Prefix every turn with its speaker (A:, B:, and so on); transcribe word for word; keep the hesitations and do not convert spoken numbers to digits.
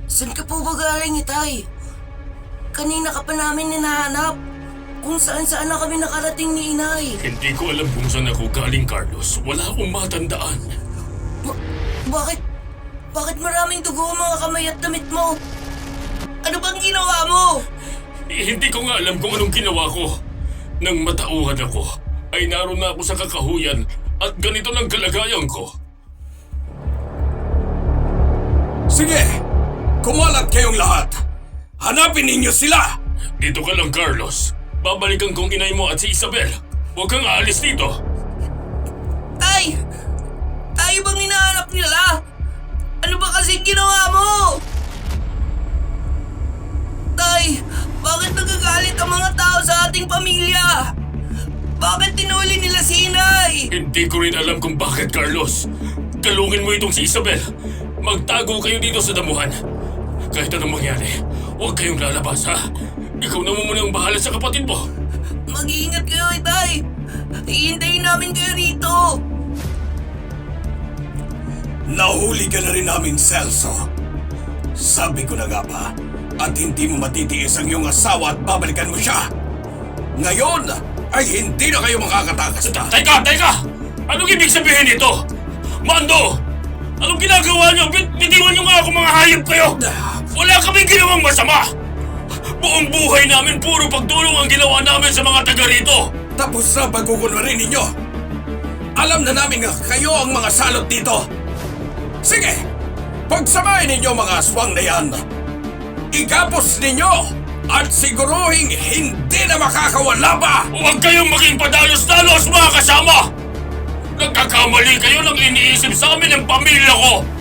A: Saan ka po ba galing, Itay? Kanina ka pa namin hinahanap. Kung saan-saan na kami nakarating ni Inay.
B: Hindi ko alam kung saan ako galing, Carlos. Wala akong matandaan.
A: Ba- bakit? Bakit maraming dugo ang mga kamay at damit mo? Ano bang ginawa mo?
B: Eh, hindi ko nga alam kung anong ginawa ko. Nang matauhan ako, ay naroon na ako sa kakahuyan at ganito lang kalagayan ko.
C: Sige! Kumalat kayong lahat! Hanapin ninyo sila!
B: Dito ka lang, Carlos. Babalikan kong inay mo at si Isabel. Huwag kang aalis dito.
A: Tay! Tayo bang hinahanap nila? Ano ba kasi ginawa mo? Tay, bakit nagagalit ang mga tao sa ating pamilya? Bakit tinuli nila si Inay?
B: Hindi ko rin alam kung bakit, Carlos. Galungin mo itong si Isabel. Magtago kayo dito sa damuhan. Kahit anong mangyari, huwag kayong lalabas, ha? Ikaw na muna ang bahala sa kapatid mo.
A: Mag-iingat kayo, Itay. Hihintayin namin kayo rito.
C: Nahuli ka na rin namin, Celso. Sabi ko na nga ba, at hindi mo matitiis ang iyong asawa at babalikan mo siya. Ngayon ay hindi na kayo makakatakas na.
B: Teka, teka! Anong ibig sabihin nito? Mando! Anong ginagawa niyo? Bit bitiwan niyo nga ako, mga hayop kayo! Wala kaming ginawang masama! Buong buhay namin puro pagtulong ang ginawa namin sa mga taga rito!
C: Tapos na pagkukunwari ninyo. Alam na namin nga kayo ang mga salot dito. Sige, pagsamahin ninyo mga aswang na yan. Igapos ninyo at siguruhing hindi na makakawala pa!
B: Huwag kayong maging padalos-dalos, mga kasama! Nagkakamali kayo ng iniisip sa amin ng pamilya ko!